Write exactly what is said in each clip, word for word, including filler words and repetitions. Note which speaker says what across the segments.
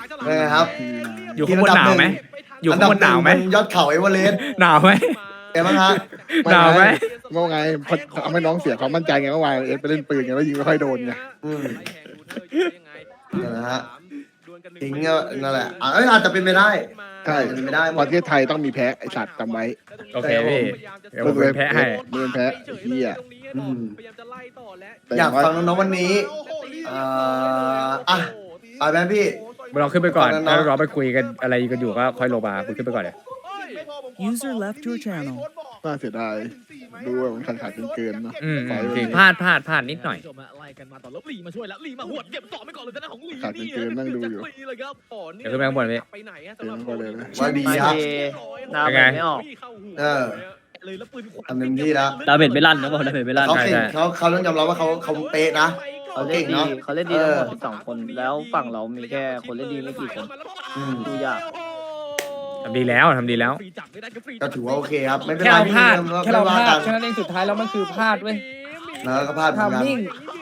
Speaker 1: เป็นไงครับ
Speaker 2: อยู่ข้างบนหนาวไหมอยู่ข้างบนหนาวไหม
Speaker 1: ยอดเขาเอเวอเรสต์
Speaker 2: หนาวไหม
Speaker 1: เอ็มฮะ
Speaker 2: หนาวไหม
Speaker 3: เมื่อไงทำให้น้องเสียความมั่นใจไงเมื่อวานเอสไปเล่นปืนไงแล้วยิงไม่ค่อยโดนไง
Speaker 1: อืมนะฮะทิ้งก็นั่นแหละอ่ะเอ้ยอาจจะเป็นไปได้
Speaker 3: ใช่
Speaker 1: อาจจะเป็นไปได้หม
Speaker 3: ป
Speaker 1: ด
Speaker 3: ระเทศไทยต้องมีแพ้ไอสัตว์จำไว้
Speaker 2: โอเคพี่เดี๋ยวผมเป็นแพ้ให้
Speaker 3: มึงเป็นแพ้ไอ้เหี้ย
Speaker 1: อืม
Speaker 3: แต่
Speaker 1: อยากฟังน้องๆวันนี้เอ่ออ่ะไปไหมพี่
Speaker 2: เราขึ้นไปก่อน
Speaker 1: ตอนนั้นเนอะ
Speaker 2: แล้วเราไปคุยกันอะไรกันอยู่ก็ค่อยลงมาคุณขึ้นไปก่อนเลย
Speaker 4: User left your channel.
Speaker 3: น่าเสียดายดูว่ามันขาดขาดเกินๆเนาะ
Speaker 2: อืม
Speaker 3: ไฟ
Speaker 2: จริง
Speaker 3: มัน
Speaker 2: พลาดพลาดพลาดนิดหน่อย
Speaker 5: ไล่กันมาต่อแล้วลีมาช่วยแล้วลีมาหวดเก็บต่อไปก่อนเลยนะของลี
Speaker 3: ขาดเกินๆนั่งดูอยู่
Speaker 5: ลีเลยครับต่อ
Speaker 2: เดี๋ยวขึ้นไปข้างบนพี่
Speaker 5: ไปไหนฮะ
Speaker 3: เกินไปเลยนะ
Speaker 1: ว่าดีครับ
Speaker 6: ดาว
Speaker 2: เป็นไง
Speaker 6: ไม่ออก
Speaker 1: เออ
Speaker 5: เลยแล้วปืน
Speaker 1: ทำเต็มที่แล้ว
Speaker 6: ดาวเบ็ดไม่ลั่นนะบอกดาวเบ็ดไม่ลั่น
Speaker 1: เขาเก่ง
Speaker 2: ใช่
Speaker 1: เขาเขาต้องยอมรับว่าเขาเขาเป๊ะนะ
Speaker 6: เขาเล่น
Speaker 1: เก่ง
Speaker 6: ดี
Speaker 1: เนอะ
Speaker 6: เขาเล่นดีทั้งหมด
Speaker 1: เออ
Speaker 6: สิบสองคน แล้วฝั่งเรามีแค่คนเล่นดีไม่กี่คน
Speaker 1: อืม
Speaker 6: ดูยาก
Speaker 2: ทำดีแล้วทำดีแล้ว
Speaker 1: ก็ถือว่าโอเคครับ ไม่เป็น
Speaker 2: แค่
Speaker 1: ไร
Speaker 2: เรา
Speaker 1: พี่
Speaker 2: พลาด
Speaker 1: ไม่
Speaker 2: แค่เราพ
Speaker 1: ว่า
Speaker 2: ลา
Speaker 1: กั
Speaker 2: ด
Speaker 1: น
Speaker 2: แค่นั้นเองสุดท้ายแล้วมันคือพลาดเว้ย
Speaker 1: แล้วก็พลาดเหมือนกัน
Speaker 2: ทำนิ่ง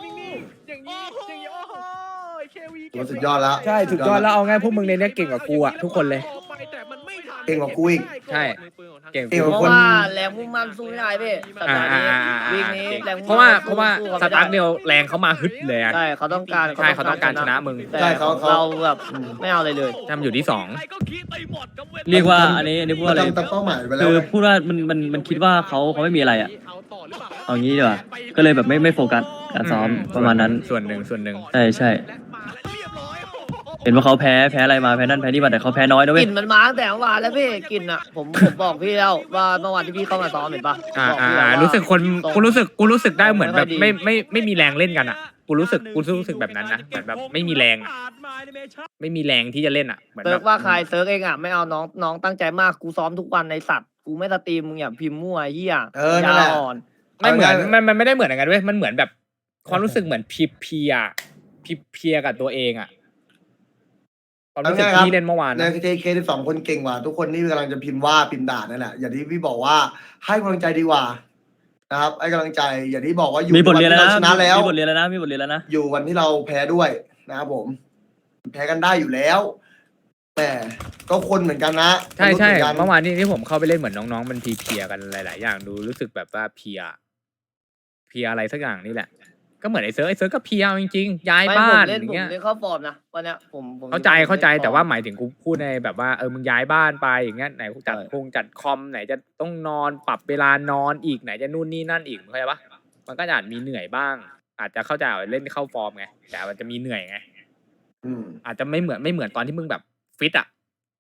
Speaker 1: ถือว่าสุดยอดแล้ว
Speaker 2: ใช่สุดยอดแล้วเอาง่ายพวกมึงในเนี้ยเก่งกว่ากูอะทุกคนเลย
Speaker 1: เก่งกว่ากูอีก
Speaker 2: ใช่เก่ง
Speaker 1: เก่ง
Speaker 6: เพ
Speaker 1: กว่า
Speaker 6: ราะ
Speaker 1: คน
Speaker 6: ว่าแรงมุ่งมั่นสู้ไม่ได้พี่สัป
Speaker 2: อ่า
Speaker 6: ดาห์
Speaker 2: อ่า
Speaker 6: นี้
Speaker 2: อ่าอ่า
Speaker 6: วีคนี้แรงมุ่ง
Speaker 2: เพราะว่า
Speaker 6: มั่น
Speaker 2: เพราะว่า
Speaker 6: สู้
Speaker 2: ส
Speaker 6: ไม่ได้
Speaker 2: ตาร์ทเดียวแรงเขามาฮึดเลยอะ
Speaker 6: ใช่เขาต้องการ
Speaker 2: ใช่เขาต้องการชนะมึง
Speaker 6: แต่
Speaker 1: ใช่เขาเขา
Speaker 6: เราแบบไม่เอาอะไรเลย
Speaker 2: ทำอยู่ที่สอง
Speaker 7: เรียกว่าอันนี้อันนี้พูด
Speaker 1: มั
Speaker 7: ว่าน อะไร
Speaker 1: ทำตามเป้าหมายไปแล้ว
Speaker 7: คือ
Speaker 1: ไง
Speaker 7: พูดว่ามันมันมันคิดว่าเขาเขาไม่มีอะไรอ่ะเอางี้ดีกว่าก็เลยแบบไม่ไม่โฟกัสการซ้อมประมาณนั้น
Speaker 2: ส่วนหนึ่งส่วนหนึ่ง
Speaker 7: ใช่ใช่เห็นว่าเขาแพ้แพ้อะไรมาแพ้นั่นแพ้นี่มาแต่เขาแพ้น้อยนะ
Speaker 6: ก
Speaker 7: เว้ย
Speaker 6: ลิ่นมันมาตั้งแต่เมื่อวานแล้วพี่กลิ่นอ่ะผมผมบอกพี่แล้วว่าเมื่อวานที่พี่เข้ามาซ้อมเห็นปะ
Speaker 2: อ่า
Speaker 6: บอก
Speaker 2: อ่า
Speaker 6: พี่แล้ว
Speaker 2: อ่า
Speaker 6: ว่า
Speaker 2: รู้สึกคนกูรู้สึกกูรู้สึกได้เหมือนแบบ
Speaker 6: ไม่
Speaker 2: ไม่
Speaker 6: ค่อยดี
Speaker 2: ไม่ไม่มีแรงเล่นกันอ่ะกูรู้สึกกูรู้สึกแบบนั้นนะเหมือนแบบไม่มีแรงอะไม่มีแรงที่จะเล่นอ่ะเหมือน
Speaker 6: เซิ
Speaker 2: แบ
Speaker 6: ร์ก
Speaker 2: บ
Speaker 6: ว่าใครเซิร์กเองอ่ะไม่เอาน้องน้องตั้งใจมากกูซ้อมทุกวันในสัตว์กูไม่สตรีมมึงอย่าพิมพ์มั่วไอ้เหี้ย
Speaker 1: เออนั่นแหละ
Speaker 6: ยาอ่อน
Speaker 2: ไม่เหมือนมันมันไม่ได้เหมือนกันเว้ยมันเหมือนแบบความรู้สึกเหมือนพีเพียพีเพียกับตัวเองอ่ะความรู้สึก
Speaker 1: เอาง่ายๆครับ
Speaker 2: ที่เล่นเมื่อวาน
Speaker 1: ใน
Speaker 2: นะ
Speaker 1: เคเคสองคนเก่งกว่า ทุกคนที่กำลังจะพิมพ์ว่าพิมพ์ด่านั่นแหละอย่างที่พี่บอกว่าให้กำลังใจดีกว่านะครับให้กำลังใจอย่างที่บอกว่าอยู่
Speaker 7: มีบทเรียนแล้ว
Speaker 1: วั
Speaker 7: นะ
Speaker 1: ที่าชนะแล้ว
Speaker 7: มีบทเรียนแล้วนะมีบทเรียนแล้วนะ
Speaker 1: อยู่วันที่เราแพ้ด้วยนะครับผม แพ้กันได้อยู่แล้วแต่ก็คนเหมือนกันนะ
Speaker 2: ใช่ใช่
Speaker 1: มนุษย์หมือนกัน
Speaker 2: เมื่อวานนี้ที่ผมเข้าไปเล่นเหมือนน้องๆมันพีเพียกันหลายๆอย่างดูรู้สึกแบบว่าเพียเพียอะไรสักอย่างนี่แหละ ก็เหมือนไอ้เซิร์ฟไอ้เซิร์ฟก็เพียจริงๆย้าย
Speaker 6: ไม่
Speaker 2: บ้า
Speaker 6: ผม
Speaker 2: น
Speaker 6: เล่น
Speaker 2: อย่าง
Speaker 6: ผม
Speaker 2: เงี้ย
Speaker 6: เล่นเข้าฟอร์มนะวันเนี้ยผมผม
Speaker 2: เข้าใจเข้าใจ
Speaker 6: ล่นฟอร์ม
Speaker 2: แต่ว่าหมายถึงกูพูดในแบบว่าเออมึงย้ายบ้านไปอย่างเงี้ยไหนกูจัด
Speaker 6: ใช่
Speaker 2: คงจัดคอมไหนจะต้องนอนปรับเวลานอนอีกไหนจะนู่นนี่นั่นอีกมึงเข้าใจปะมันก็อาจมีเหนื่อยบ้าง อาจจะเข้าใจว่าเล่นเข้าฟอร์มไงแต่มันจะมีเหนื่อยไง
Speaker 1: อืม
Speaker 2: อาจจะไม่เหมือนไม่เหมือนตอนที่มึงแบบฟิตอะ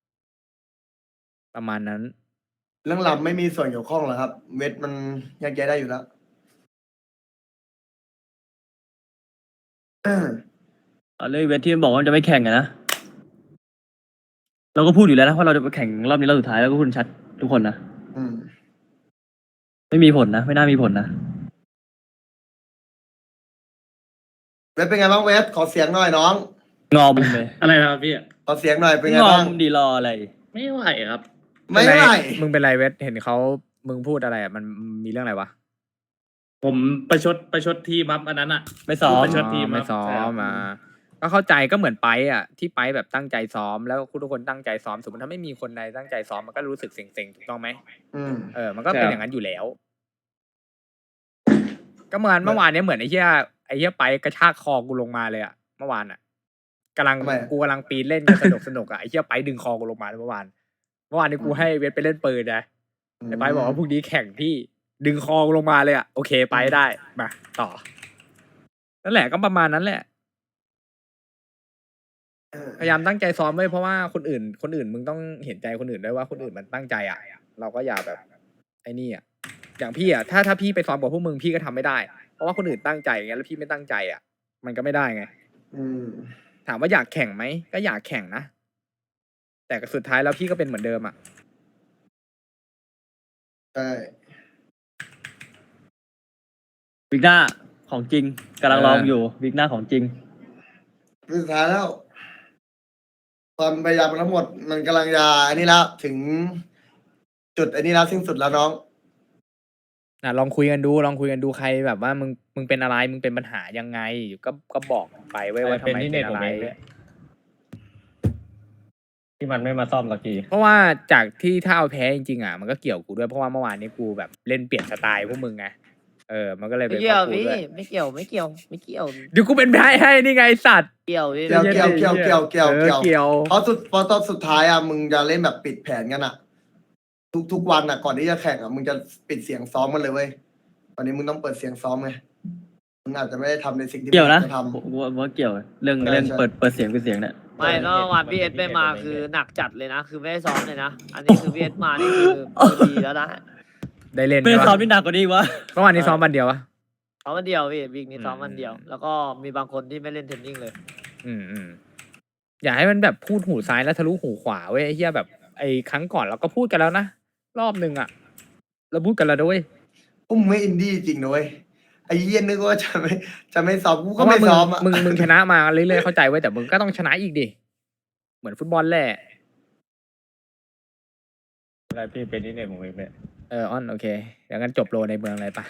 Speaker 2: ประมาณนั้น
Speaker 1: เรื่องลำไม่มีส่วนเกี่ยวข้องหรอกครับ เวทมันแยกแยะได้อยู่แล้ว
Speaker 7: เอาเลยเวทที่มันบอกว่ามันจะไม่แข่งอะนะเราก็พูดอยู่แล้วนะว่าเราจะไปแข่งรอบนี้รอบสุดท้ายแล้วก็พูดชัดทุกคนนะ
Speaker 1: อืม
Speaker 7: ไม่มีผลนะไม่น่ามีผลนะ
Speaker 1: เวทเป็นไงบ้างเวทขอเสียงหน่อยน้อง
Speaker 7: งอมเลย
Speaker 8: อะไรนะครับพี่
Speaker 1: ขอเสียงหน่อยเป็นไง
Speaker 7: งอ
Speaker 1: บ้าง
Speaker 7: มดีรออะไร
Speaker 8: ไม่ไหวครับ
Speaker 1: ไม่ไหว
Speaker 2: มึงเป็นไรเวทเห็นเขามึงพูดอะไรอะมันมีเรื่องอะไรวะ
Speaker 8: ผมประชดประชดทีมครับอันนั้นอ่ะ
Speaker 7: ไม่ซ้อม
Speaker 8: ประชดทีม
Speaker 2: ไม่ซ้อ
Speaker 8: ใช่ครั
Speaker 2: ม
Speaker 8: บ
Speaker 2: มาก็เข้าใจก็เหมือนไปอ่ะที่ไปแบบตั้งใจซ้อมแล้วทุกคนตั้งใจซ้อมสมมติถ้าไม่มีคนใดตั้งใจซ้อมมันก็รู้สึกเซ็งๆถูกต้องไหม
Speaker 1: อืม
Speaker 2: เออมันก็เป็นอย่างนั้นอยู่แล้ว ก็เหมือนเมื่อวานเนี้ยเหมือนไอ้เหี้ยไอ้เหี้ยไปกระชากคอกูลงมาเลยอ่ะเมื่อวานอ่ะกำลัง
Speaker 1: ทำไมอะ
Speaker 2: กูกำลังปีนเล่นกันสนุกสนุกอ่ะไอ้เหี้ยไปดึงคอกูลงมาเมื่อวานเมื่อวานนี้กูให้เวทไปเล่นปืนนะไอ้ไปบอกว่าพรุ่งนี้แข่งพี่ดึงคอกูลงมาเลยอ่ะโอเคไปได้มาต่อนั่นแหละก็ประมาณนั้นแหละ
Speaker 1: เออ
Speaker 2: พยายามตั้งใจซ้อมไว้เพราะว่าคนอื่น คนอื่นมึงต้องเห็นใจคนอื่นด้วยว่าคนอื่นมันตั้งใจอ่ะ เราก็อย่าแบบไอ้นี่อ่ะอย่างพี่อ่ะถ้าถ้าพี่ไปซ้อมกับพวกมึงพี่ก็ทำไม่ได้ เพราะว่าคนอื่นตั้งใจอย่างเงี้ยแล้วพี่ไม่ตั้งใจอ่ะ มันก็ไม่ได้ไง
Speaker 1: อืม
Speaker 2: ถามว่าอยากแข่งไหมก็อยากแข่งนะแต่สุดท้ายแล้วพี่ก็เป็นเหมือนเดิมอ่ะ
Speaker 1: ใช่
Speaker 7: วิกหน้าของจริงกำลังลองอยู่วิกหน้าของจริง
Speaker 1: สุดท้ายแล้ว ความพยายามทั้งหมด มันกำลังจะอันนี้แล้วถึง จุดอันนี้แล้วสิ้นสุดแล้วน้อง
Speaker 2: อ่ะลองคุยกันดูลองคุยกันดูใครแบบว่ามึงมึงเป็นอะไรมึงเป็นปัญหายังไงก็ก็บอกไปไว้ว่าทำไมเป็นอะไร
Speaker 8: ที่มันไม่มาซ่อมสักที
Speaker 2: เพราะว่าจากที่ถ้าเอาแพ้จริงๆอ่ะมันก็เกี่ยวกูด้วยเพราะว่าเมื่อวานนี้กูแบบเล่นเปลี่ยนสไตล์พวกมึงไงเออมันก็เลย
Speaker 6: ไม่
Speaker 2: เป็น
Speaker 6: เกี่ยว
Speaker 2: พราะกู
Speaker 6: พี่
Speaker 2: ด้วย
Speaker 6: ไม่เกี่ยวไม่เกี่ยวไม่เกี่ยว
Speaker 2: เดี๋ยวกูเป็นแพ้ให้นี่ไงไอ้สัตว์
Speaker 6: เกี่ยวพี่
Speaker 1: เกี่ยวเกี่ยวเกี่ยวเกี่ยวเกี่ยว
Speaker 2: เอ
Speaker 1: เกี่
Speaker 2: อ
Speaker 1: ยว
Speaker 2: เกี่ยว
Speaker 1: เพราะสุดเพราะตอนสุดท้ายอ่ะมึงจะเล่นแบบปิดแผนกันอ่ะ ทุกทุกวันอ่ะ ก่อนที่จะแข่งอ่ะมึงจะปิดเสียงซ้อมกันเลยเว้ยวันนี้มึงต้องเปิดเสียงซ้อมไงมึงอาจจะไม่ได้ทำในสิ่งที่
Speaker 7: เกี่ยวนะ
Speaker 1: มึงจทำ
Speaker 7: ผมว่าว่าเกี่ยวเรื่อง
Speaker 1: ใช่
Speaker 7: เรื่อง
Speaker 1: ใช่
Speaker 7: เปิดเปิดเสียงเป็นเสียงเนี่ย
Speaker 6: ไม่เมื่อวานพี่เอสไม่มาคือหนักจัดเลยนะ คือไม่ได้ซ้อมเลยนะ อันนี้คือพี่เอสมานี่คือคือดีแล้วนะ
Speaker 2: ได้เล่น
Speaker 7: ไม่ได้
Speaker 2: ใช่
Speaker 7: ซ้อม
Speaker 2: ปะ
Speaker 7: นี่หนักกว่านี้อีกวะ
Speaker 2: เมื่อวานนี้ซ้อมวันเดียววะ
Speaker 6: ซ้อมวันเดียวพี่วีคนี้ซ้อม
Speaker 2: อืม
Speaker 6: วันเดียว แล้วก็มีบางคนที่ไม่เล่นเทรนนิ่งเลย
Speaker 2: อืมอืมอย่าให้มันแบบพูดหูซ้ายแล้วทะลุหูขวาเว้ยไอ้เหี้ยแบบไอ้ครั้งก่อนเราก็พูดกันแล้วนะรอบหนึ่งอ่ะ เราพูดกันแล้วด้วย
Speaker 1: พวกมึงไม่อินดี้จริงนะเว้ยไอ้เหี้ยนึกว่าจะไม่จะไม่ซ้อมกู
Speaker 2: เพ
Speaker 1: ก็
Speaker 2: ราะว่า
Speaker 1: ไม่
Speaker 2: มึง
Speaker 1: ซ้อมอ่ะ
Speaker 2: มึงมึงชนะมาเรื่อยๆเข้าใจไว้ยแต่มึงก็ต้องชนะอีกดิเหมือนฟุตบอลแหละ
Speaker 8: อะไรพี่เป็นนี่เนี่ยผมเองเนี่ย
Speaker 2: เออออนโอเคเดี๋ยวกันจบโลในเมืองเลยปะ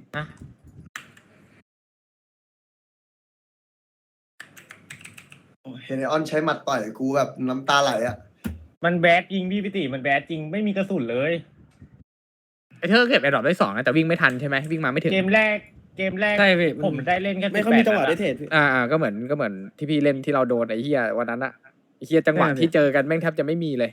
Speaker 1: เห็นไอออนใช้หมัดต่อยกูแบบน้ำตาไหลอ่ะ
Speaker 8: มันแบดจริงพี่พิติมันแบดจริงไม่มีกระสุนเลย
Speaker 2: ไอ้เธอเก็บไอ้ดรอปได้สองนะแต่วิ่งไม่ทันใช่ไหมวิ่งมาไม่ถึง
Speaker 8: เกมแรกเกมแรก
Speaker 7: ใช่พี่
Speaker 8: ผมได้เล่นแค่
Speaker 5: ไม่ค่อยมีจังหวะได้เทรด
Speaker 2: อ่าอ่าก็เหมือนก็เหมือนที่พี่เล่นที่เราโดนไอ้เฮียวันนั้นอะไอ้เฮียจังหวะ
Speaker 7: ใช่พี่
Speaker 2: ที่เจอกันแม่งแทบจะไม่มีเลย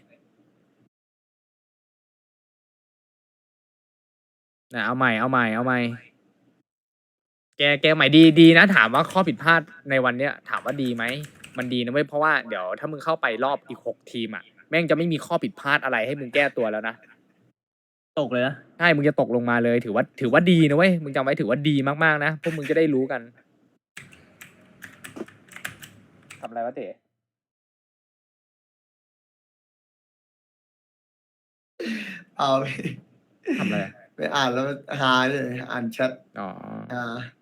Speaker 2: นะเอาใหม่เอาใหม่เอาใหม่แกแกใหม่ดีดีนะถามว่าข้อผิดพลาดในวันเนี้ย ถามว่าดีไหมมันดีนะเว้ยเพราะว่าเดี๋ยวถ้ามึงเข้าไปรอบอีกหกทีมอะแม่งจะไม่มีข้อผิดพลาดอะไรให้มึงแก้ตัวแล้วนะ
Speaker 7: ตกเลยนะ
Speaker 2: ใช่ มึงจะตกลงมาเลย ถือว่า ถือว่าดีนะเว้ย มึงจำไว้ถือว่าดีมากๆนะ พวกมึงจะได้รู้กัน ทำอะไรวะเต๋
Speaker 1: เอาไป
Speaker 2: ทำอะไร
Speaker 1: ไปอ่านแล้วหาเลยอ่านแชท
Speaker 2: อ๋อ
Speaker 1: อ่า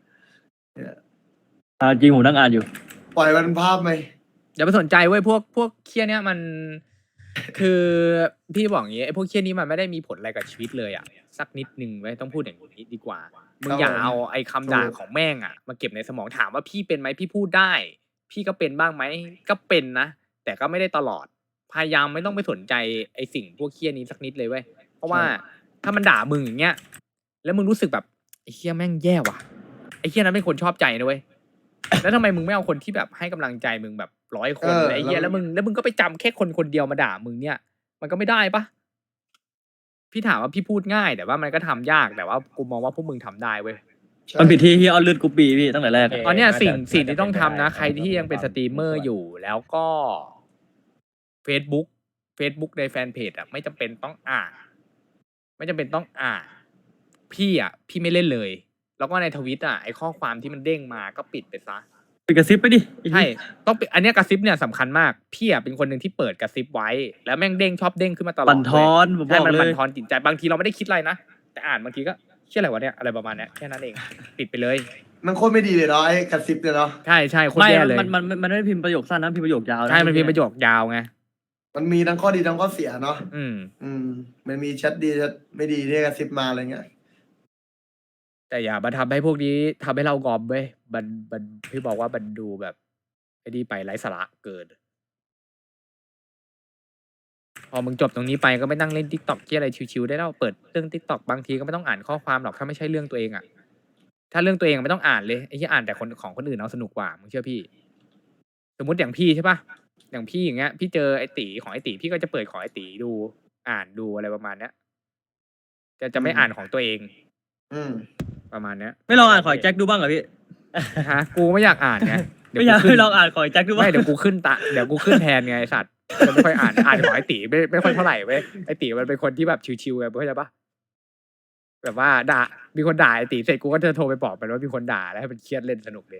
Speaker 7: อ่าจริงผมนั่งอ่านอยู่
Speaker 1: ปล่อยมันภาพไหม
Speaker 2: อย่าไปสนใจเว้ย พวก พวกเคี้ยเนี้ยมัน คือพี่บอกอย่างงี้ไอ้พวกเคี้ยนี้มันไม่ได้มีผลอะไรกับชีวิตเลยอ่ะ สักนิดนึงไว้ยต้องพูดอย่างนี้ดีกว่า มึงอย่าเอาไอ้คำด่าของแม่งอ่ะ มาเก็บในสมองถามว่าพี่เป็นไหมพี่พูดได้ พี่ก็เป็นบ้างไหม ก็เป็นนะ แต่ก็ไม่ได้ตลอด พยายามไม่ต้องไปสนใจไอ้สิ่งพวกเคี้ยนี้สักนิดเลยเว้ย เพราะว่าถ้ามันด่ามึงอย่างเงี้ย แล้วมึงรู้สึกแบบไอ้เคี้ยแม่งแย่ว่ะ ไอ้เคี้ยนั้นเป็นคนชอบใจนะเว้ย แล้วทำไมมึงไม่เอาคนที่แบบให้กำลังใจมึงแบบร้อยคน
Speaker 1: เออ
Speaker 2: ไอ้เหี้ย
Speaker 1: แล้
Speaker 2: แล้ว
Speaker 1: ว
Speaker 2: มึงแล้วมึงก็ไปจำแค่คนคนเดียวมาด่ามึงเนี่ย มันก็ไม่ได้ปะพี่ถามว่าพี่พูดง่าย แต่ว่ามันก็ทำยากแต่ว่ากูมองว่าพวกมึงทำได้เว้ย
Speaker 1: ใช่
Speaker 7: มันผิดที่ที่ออนเลือดกรุ๊ปบีพี่ตั้งแต่แรกอะ
Speaker 2: ตอนเนี้ยสิ่งสิ่งที่ต้องทำนะ ใครที่ยังเป็นสตรีมเมอร์อยู่แล้วก็ Facebook Facebook ในแฟนเพจอ่ะไม่จำเป็นต้องอ่านไม่จำเป็นต้องอ่านพี่อ่ะ พี่ไม่เล่นเลย แล้วก็ในทวิตอ่ะไอข้อความที่มันเด้งมาก็ปิดไปซะ
Speaker 7: ปิดกระซิบไปดิไอ้
Speaker 2: ใช่
Speaker 7: เหี้ย
Speaker 2: ต้องเป็นอันเนี้ยกระซิบเนี่ยสำคัญมาก พี่อ่ะเป็นคนหนึ่งที่เปิดกระซิบไว้ แล้วแม่งเด้งชอบเด้งขึ้นมาตลอด
Speaker 7: บั่นทอนผมบ
Speaker 2: ใช่
Speaker 7: อก
Speaker 2: มัน
Speaker 7: เล
Speaker 2: บั่
Speaker 7: ย
Speaker 2: นทอนจิตใจบางทีเราไม่ได้คิดอะไรนะ แต่อ่านบางทีก็เชื่ออะไรวะเนี่ยอะไรประมาณเนี้ยแค่นั้นเอง ปิดไปเลย
Speaker 1: มันโคตรไม่ดีเลยเนาะไอ้กระซิบเนี่ยเนาะ
Speaker 2: ใช่ใช่โคตร
Speaker 7: ไม่
Speaker 2: แย่เลย
Speaker 7: มันมันมันมันไม่ได้พิมพ์ประโยคสั้นนะพิมพ์ประโยคยาวนะ
Speaker 2: ใช่มันเป็นประโยคยาวไง
Speaker 1: มันมีทั้งข้อดีทั้งข้อเสียเนาะ
Speaker 2: อืม
Speaker 1: อืม มันมีแชทดีแชทไม่ดีที่กระซิบมาอะไรเงี้ย
Speaker 2: แต่อย่ามาทำให้พวกนี้ทำให้เรากอมเว้ยบันบันพี่บอกว่าบันดูแบบไอ้นี่ไปไร้สาระเกิน พอมึงจบตรงนี้ไปก็ไม่นั่งเล่นทิกตอกที่อะไรชิวๆได้แล้วเปิดเรื่องทิกตอกบางทีก็ไม่ต้องอ่านข้อความหรอกถ้าไม่ใช่เรื่องตัวเองอะถ้าเรื่องตัวเองไม่ต้องอ่านเลยไอ้ที่อ่านแต่คนของคนอื่นเอาสนุกกว่ามึงเชื่อพี่ สมมติอย่างพี่ใช่ปะอย่างพี่อย่างเงี้ย พี่เจอไอ้ตีของไอ้ตีพี่ก็จะเปิดของไอ้ตีดู อ่านดูอะไรประมาณเนี้ยจะจะไม่อ่านของตัวเอง
Speaker 1: อืม
Speaker 2: ประมาณเนี้ย
Speaker 7: ไม่ลองอ่านขอยแจ็คดูบ้างเหรอพี่
Speaker 2: ฮะกูไม่อยากอ่านไงเดี๋ว
Speaker 7: ไม่อยาก
Speaker 2: ขึ้น
Speaker 7: ไม่ลองอ่านขอยแจ็คดูบ้าง
Speaker 2: ไม่เดี๋ยวกูขึ้นตะเดี๋ยวกูขึ้นแทนไงไอ้สัตว์จะไม่ค่อยอ่านอ่านของไอ้ตีไม่ไม่ค่อยเท่าไหร่เว้ยไอ้ตีมันเป็นคนที่แบบชิวๆไงเข้าใจปะแบบว่าด่ามีคนด่าไอ้ตีเสร็จกูก็จะโทรไปบอกมันว่ามีคนด่าแล้วให้มันเครียดเล่นสนุกเลย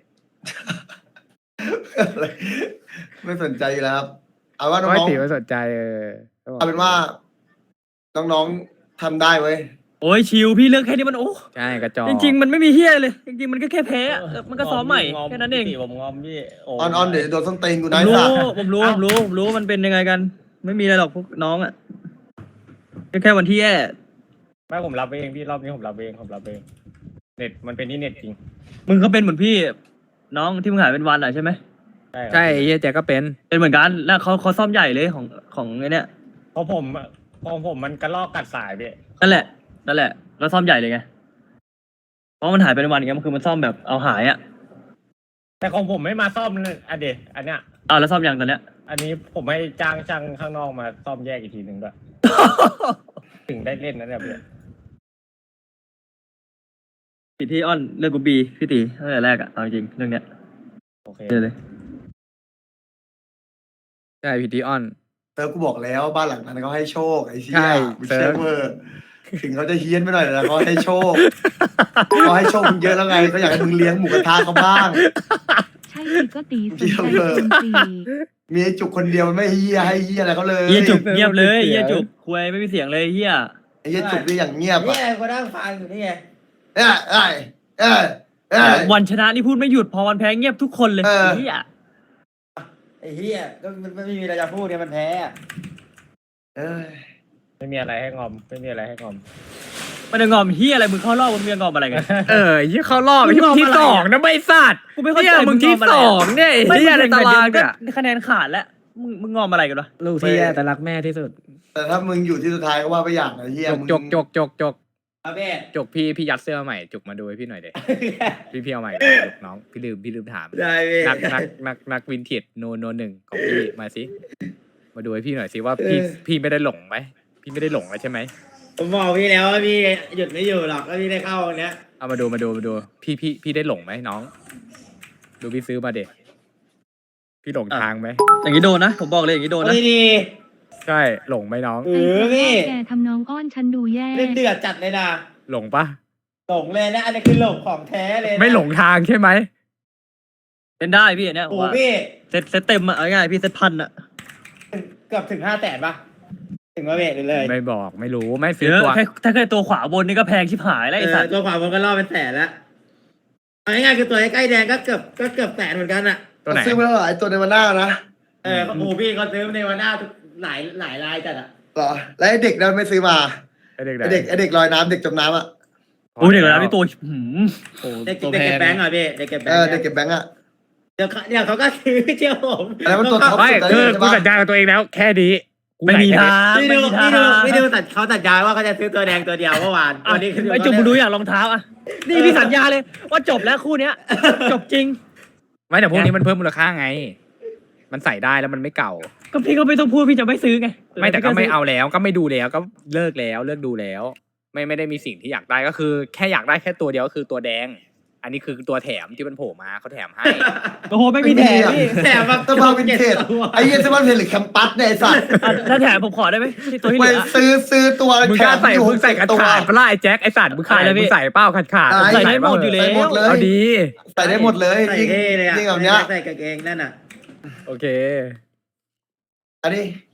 Speaker 1: ไม่สนใจอยู่แล้วครับ เอาว่า
Speaker 2: เพราะไอ้
Speaker 1: น้อง
Speaker 2: ตีไม่สนใจเออ
Speaker 1: ๆเอาเป็นว่า น้องๆทำได้เว้ย
Speaker 7: โอ้ยชิวพี่เรื่องแค่นี้มันโอ้
Speaker 2: ใช่กระจอก
Speaker 7: จริง ๆ มันไม่มีเฮียเลย จริง ๆ มันก็แค่แพ้อะมันก็ซ้อมใหม่แค่นั้นเอง
Speaker 8: ผมงอมพี่โ
Speaker 1: ออนออนเดี๋ยวโดนส้นตีนกู
Speaker 7: ผ
Speaker 1: นะ
Speaker 7: ม
Speaker 1: ไอ้
Speaker 7: รู้
Speaker 1: สัตว์
Speaker 7: ผมรู้ผมรู้ผมรู้มันเป็นยังไงกัน ไม่มีอะไรหรอกพวกน้องอ่ะก็แค่วันที่แย่
Speaker 8: ไม่ผมรับเองพี่รอบนี้ผมรับเองผมรับเองเน็ตมันเป็นที่เน็ตจริง
Speaker 7: มึงก็เป็นเหมือนพี่ น้องที่มึงหายเป็นวันอ่ะใช่ไหม
Speaker 2: ใช่ไอ้เฮียแจ็คก็เป็น
Speaker 7: เป็นเหมือนกันแล้วเขาเขาซ่อมใหญ่เลยของของไอ้เนี่ย
Speaker 8: เพราะผมของผมมันกระลอกกัดสายพี่
Speaker 7: นั่นแหละนั่นแหละแล้วซ่อมใหญ่เลยไงเพราะมันหายไปในวันไงมันคือมันซ่อมแบบเอาหายอ่ะ
Speaker 8: แต่ของผมไม่มาซ่อมเลยอันเดะอันเนี้ย
Speaker 7: อ้าวแล้วซ่อมยังตอนเนี้ย
Speaker 8: อันนี้ผมให้จ้างช่างข้างนอกมาซ่อมแยกอีกทีหนึ่งด้วย ถึงได้เล่นนะเนี่ยพี่
Speaker 7: ผิดที่อ้อนเรื่องกูบีพี่ตีตั้งแต่แรกอะเอาจริงเรื่องเนี้ย
Speaker 8: โอเค
Speaker 7: เดี๋ยวเลย
Speaker 2: ใช่พีทีออน
Speaker 1: เซิร์ฟกูบอกแล้วบ้านหลังนั้นเขาให้โชคไอ้เชี่
Speaker 2: ใช่
Speaker 1: ยมึง
Speaker 2: เซิ
Speaker 1: เชื่
Speaker 2: ร์
Speaker 1: อ
Speaker 2: ฟ
Speaker 1: เวอร์ถึงเขาจะเฮี้ยนไปหน่อยแต่เขาให้โชคเขาให้โชคมึงเยอะแล้วไงเขาอยากให้มึงเลี้ยงหมูกระทะเขาบ้าง
Speaker 9: ใช่สิก็ตีสนใจคนตี
Speaker 1: มีไอ้จุกคนเดียวมันไม่เฮี้ยให้เฮี้ยอะไรเขาเลย
Speaker 7: เฮียจุกเงียบเลย
Speaker 2: เสียง
Speaker 7: เฮียจุกคุยไม่มีเสียงเลยเฮีย
Speaker 1: ไอ้เฮี้ยจุกนี่อย่างเงียบ
Speaker 6: นี่
Speaker 1: อ่ะ
Speaker 6: ไงกูนั่งฟังอยู่นี่ไง
Speaker 1: เอ้ยเอ้ยเอ้ยเอ้ย
Speaker 7: วันชนะนี่พูดไม่หยุดพอวันแพ้เงียบทุกคนเลย
Speaker 1: เออ
Speaker 7: เฮีย
Speaker 6: ไอ้เหี้ยก็มันไม่มีอะไรจะพูดเนี่ยมันแพ้อะ
Speaker 1: เอ้ย
Speaker 8: ไม่มีอะไรให้งอมไม่มีอะไรให้งอม
Speaker 7: มันจะงอมเฮียอะไรมึงเข้ารอบมึงจะงอมอะไรกัน
Speaker 2: เออไอ้เฮียเข้ารอบไอ้เหี้ย
Speaker 7: มึง
Speaker 2: มึงที่
Speaker 7: งอมอะไร
Speaker 2: สองนะไม่สัตว์
Speaker 7: กูไม่เข้าใจ
Speaker 2: เนี่ยมึงที่
Speaker 7: มึงงอมอะไร
Speaker 2: สองเนี่ยไอ้เฮียในตาราง
Speaker 7: ก็
Speaker 2: เนี่ย
Speaker 7: คะแนนขาดแล้วมึงมึงงอมอะไรกันวะ
Speaker 2: ลูกที่แย่แต่รักแม่ที่สุด
Speaker 1: แต่ถ้ามึงอยู่ที่สุดท้ายก็ว่าไปอย่างไอ้เฮี้ย
Speaker 2: จก
Speaker 1: มึง
Speaker 2: จกจกจกจก
Speaker 6: เอาเบ้
Speaker 2: จกพี่พี่ยัดเสื้อมาใหม่จุกมาดูให้พี่หน่อยเด็พี่พี่เอาใหม่จกน้องพี่ลืมพี่ลืมถาม
Speaker 6: ได้เบ้
Speaker 2: นักนักนักนักวินเทจโนโนหนึ่งของพี่มาสิมาดูให้พี่หน่อยสิว่าพี่พี่ไม่ได้หลงไหมพี่ไม่ได้หลงแล้วใช่ไหม
Speaker 6: ผมบอกพี่แล้วว่าพี่หยุดไม่อยู่หรอกก็พี่ได้เข้าวันเนี้ย
Speaker 2: เอามาดูมาดูมาดู พี่พี่พี่ได้หลงไหมน้อง ดูพี่ซื้อมาเด็พี่หลงทางไหม
Speaker 7: อย่างนี้โดนนะผมบอกเลยอย่างนี้โดนนะ
Speaker 6: ดีดี
Speaker 2: ใช่หลงไหมน้อง
Speaker 6: เออพี่
Speaker 9: แกทำน้องอ้อนฉันดูแย่
Speaker 6: เล่นเดือดจัดเลยนะ
Speaker 2: หลงปะ
Speaker 6: หลงเลยนะอันนี้คือหลงของแท้เลยนะ
Speaker 2: ไม่หลงทางใช่ไหม
Speaker 7: เล่นได้พี่อันเนี้ยผ
Speaker 6: โอ้
Speaker 7: ม
Speaker 6: โห
Speaker 7: ว่า
Speaker 6: พี่
Speaker 7: เซตเซตเต็มอะเอาง่ายๆพี่เซตพันอะ
Speaker 6: เกือบถึงห้าแสนปะถึงว่าเบ้เลย
Speaker 2: ไม่บอกไม่รู้ไม่ซื้
Speaker 7: เย
Speaker 2: อ
Speaker 7: อะ
Speaker 2: ตัว
Speaker 7: แค่ถ้าเคยตัวขวาบนนี่ก็แพงชิบหายแล้วไอ้สัตว์
Speaker 6: ตัวขวาบนก็ล่อเป็นแสนแล้วเอาง่ายๆคือตัวใกล้ๆแดงก็เกือบก็เกือบแสนเหมือนกันอะ
Speaker 2: ตัวไหน
Speaker 1: ซื้อมาแล้วเหรอไอ้ตัวในวันหน้านะ
Speaker 6: เออโอ้โหพี่เขาซื้อในวันหน้าทุกหลายหลายรายจัดอะ
Speaker 1: เหรอแล้วไอ้เด็กนั้นไม่ซื้อมา
Speaker 2: ไอเด็กไหน
Speaker 1: ไอ้เด็กไอ้เด็กลอยน้ำเด็กจมน้ำอ่ะ
Speaker 7: โอ้ยเดี๋ยวนะพี่ตัวหืม
Speaker 2: โอ้
Speaker 6: เด็ก
Speaker 2: ตัว
Speaker 6: เด็ก
Speaker 2: แพ
Speaker 6: เก็บ
Speaker 2: ง
Speaker 6: แบงก์อ่ะพี่เด็กเก็บแบ
Speaker 1: เอง อ
Speaker 6: ก์
Speaker 1: เด็กเก็บแบงก์อ่ะ
Speaker 6: เดี๋ยวเขาเดี๋ยวเขาก็ซื้อเชื่อผม
Speaker 1: อันนั้นมันตัวท็อป
Speaker 2: ไม่
Speaker 1: สุด
Speaker 2: คือ
Speaker 1: ใช่
Speaker 2: กู
Speaker 1: ปะ
Speaker 2: สัญญากับตัวเองแล้ว แค่นี้กู
Speaker 7: ไม่มี
Speaker 2: ใส่
Speaker 7: ทาง
Speaker 6: พี่
Speaker 7: ไม่
Speaker 6: ดู
Speaker 7: มีทา
Speaker 6: พี่
Speaker 7: ง
Speaker 6: ดูพี่ดูตัดเขาตัดยายว่าเขาจะซื้อตัวแดงตัวเดียวเมื่อวานวันนี้คือ
Speaker 7: ไอ้จุกมึงดูอย่างรองเท้าอะนี่พี่สัญญาเลยว่าจบแล้วคู่เนี้ยจบจริง
Speaker 2: ไม่แต่พวกนี้มันเพิ่มมูลค่าไง มันใส่ได้แล้วมันไม่เก่า
Speaker 7: ก็พี่ก็ไม่ต้องพูดพี่จะไม่ซื้อไง
Speaker 2: ไม่แต่ก็ไม่เอาแล้วก็ไม่ดูแล้วก็เลิกแล้วเลิกดูแล้ว ไม่ไม่ได้มีสิ่งที่อยากได้ก็คือ แค่อยากได้แค่ตัวเดียวก็คือตัวแดง อันนี้คือตัวแถมที่มันโผล่มาเขาแถมให้
Speaker 7: โอ้โหไม่มีแถมพี่
Speaker 6: แถมแบบ
Speaker 1: เสื้อผ้าวินเทจไอ้เหี้ยเสื้อผ้าวินเทจหรือแคมปัสเนี่ยไอ้สัตว์
Speaker 7: อ่ะถ้าแถมผมขอได้ไหมที่ตัวที่
Speaker 1: ไป
Speaker 7: เหลือ
Speaker 1: ซื้อซื้อตัว
Speaker 2: มึง
Speaker 1: แถ
Speaker 2: กล้าม ใส่
Speaker 1: อยู่
Speaker 2: มึงใส่ขาด
Speaker 1: ตัว
Speaker 2: ขาดปะล่ะไอ้แจ็คไอ้สัตว์มึงขาย
Speaker 7: ขายเลยพี่
Speaker 2: มึงใส่เป้าขาดขาด
Speaker 1: ใส่
Speaker 7: ใส่ได้หมดอยู่แล้
Speaker 1: ใส่หม
Speaker 7: ว
Speaker 1: ดเลย
Speaker 2: เอาดี
Speaker 1: ใส่ได้หมดเลย
Speaker 6: ใส่
Speaker 1: ยิ่ง
Speaker 6: เท่เลยอะ
Speaker 1: ยิ่งแบบเนี้ย
Speaker 6: ใส่กางเกงนั่นอ่ะ
Speaker 2: โอเค
Speaker 1: อันนี้